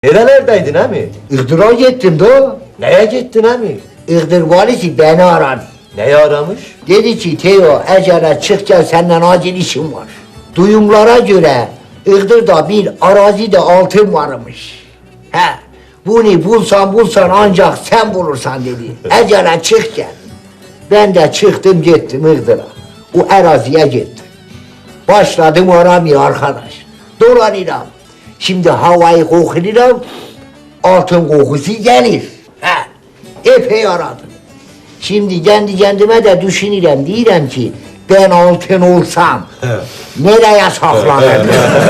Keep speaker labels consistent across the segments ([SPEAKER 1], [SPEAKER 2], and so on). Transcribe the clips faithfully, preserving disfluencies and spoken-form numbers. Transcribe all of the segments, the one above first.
[SPEAKER 1] Nerelerdeydin emi?
[SPEAKER 2] Iğdır'a gittim de.
[SPEAKER 1] Neye gittin emi?
[SPEAKER 2] Iğdır valisi beni aradı.
[SPEAKER 1] Neyi aramış?
[SPEAKER 2] Dedi ki Teo Ecele çık gel senden acil işim var. Duyumlara göre Iğdır'da bir arazide altın varmış. He, bunu bulsan bulsan ancak sen bulursan dedi. Ecele çık gel. Ben de çıktım gittim Iğdır'a. O araziye gittim. Başladım aramaya arkadaş. Dolanıram. Şimdi havayı kokuyorum. Altın kokusu gelir. He, epey aradım. Şimdi kendi kendime de düşünürüm, diyorum ki ben altın olsam nereye saklanırım?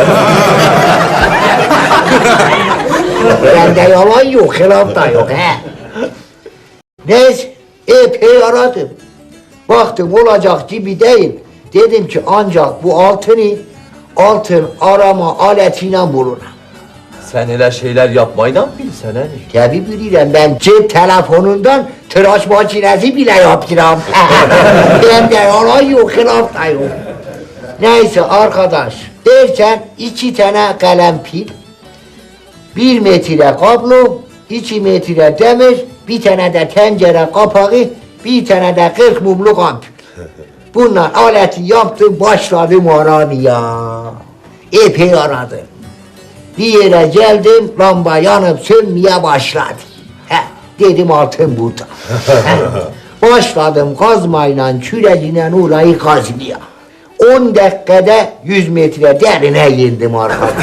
[SPEAKER 2] Bende yalan yok, hilaf da yok. He. Neyse, epey aradım. Baktım olacak gibi değil. Dedim ki ancak bu altını altın arama aletiyle bulurum.
[SPEAKER 1] Sen öyle şeyler yapmayı da mı bilsen emi?
[SPEAKER 2] Tabi bilirim, ben cep telefonundan tıraş makinesi bile yaptıram. Bende yalan yok, hilaf da yok. Neyse arkadaş, derken iki tane kalem pil, bir metre kablo, iki metre demir, bir tane de tencere kapağı, bir tane de kırk mumluk ampul. Bunlar aleti yaptım, başladım aramaya. Epey aradım. Bir yere geldim, lamba yanıp sönmeye başladı. He, dedim altın burada. He, başladım kazmayla, küreğiyle orayı kazmaya. On dakikada yüz metre derine girdim arkadaş.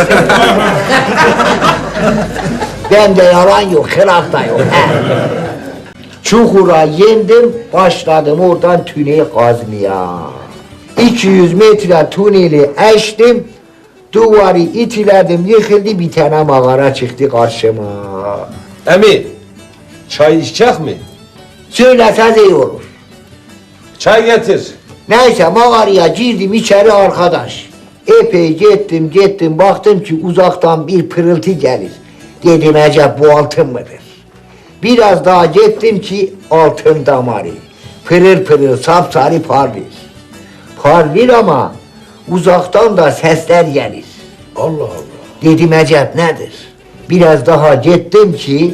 [SPEAKER 2] Bende yalan yok, hilaf da yok. He. Çukura yendim, başladım oradan tüneli kazmaya. iki yüz metre tüneli açtım, duvarı itiledim, yıkıldı, bir tane mağara çıktı karşıma.
[SPEAKER 3] Emi, çay içecek mi?
[SPEAKER 2] Söyleseniz iyi olur.
[SPEAKER 3] Çay getir.
[SPEAKER 2] Neyse mağaraya girdim içeri arkadaş. Epey gittim gittim, baktım ki uzaktan bir pırıltı gelir. Dedim acaba bu altın mıdır? Biraz daha gittim ki altın damarı. Pırıl pırıl sapsarı parlıyor. Parlıyor ama uzaktan da sesler gelir.
[SPEAKER 3] Allah Allah.
[SPEAKER 2] Dedim acaba nedir? Biraz daha gittim ki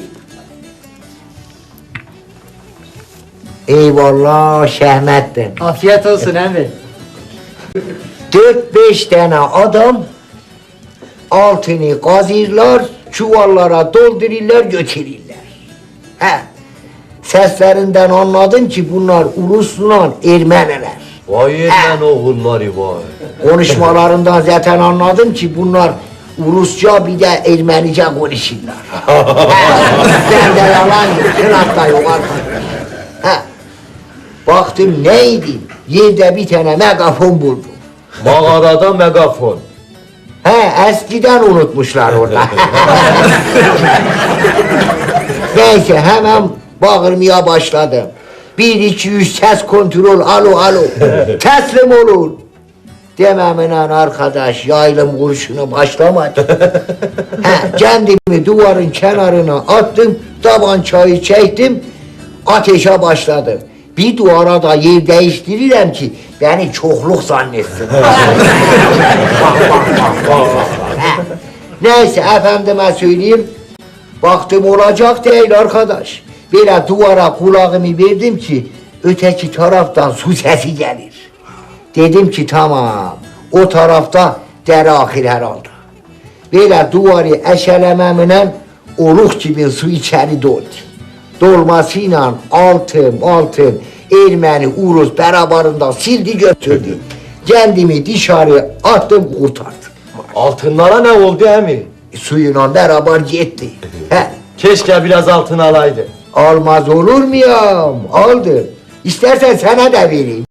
[SPEAKER 2] eyvallah Şehmettin.
[SPEAKER 4] Afiyet olsun emmi.
[SPEAKER 2] Dört beş tane adam altını kazırlar, çuvallara doldururlar, götürürler. He, seslerinden anladım ki bunlar Ulus'la Ermeniler.
[SPEAKER 1] Vay Ermeni oğulları vay.
[SPEAKER 2] Konuşmalarından zaten anladım ki bunlar Rusça bir de Ermenice konuşurlar. Ben de yalan yok, hilaf da yok arkadaş. He, baktım neydi? Yerde bir tane megafon buldum.
[SPEAKER 1] Mağarada megafon.
[SPEAKER 2] He, eskiden unutmuşlar orada. Neyse hemen bağırmaya başladım. Bir, iki, üç, ses kontrol, alo, alo. Teslim olun. Dememle arkadaş yaylım kurşunu başlamadı. He, kendimi duvarın kenarına attım, tabancayı çektim, ateşe başladım. Bir duvara da yer değiştiririm ki beni çokluk zannetsin. Bak, bak, bak, bak, bak. He. Neyse efendime söyleyeyim, baktım olacak değil arkadaş. Böyle duvara kulağımı verdim ki öteki taraftan su sesi gelir. Dedim ki tamam, o tarafta dere akır herhalde. Böyle duvarı eşelememle oluk gibi su içeri doldu. Dolmasıyla altın altın Ermeni Urus beraberinde sildi götürdü. Kendimi dışarı attım kurtardım.
[SPEAKER 1] Altınlara ne oldu emi?
[SPEAKER 2] Suyla beraber gitti. He,
[SPEAKER 1] Keşke biraz altın alaydı.
[SPEAKER 2] almaz olur muyum? Aldım. İstersen sana da vereyim.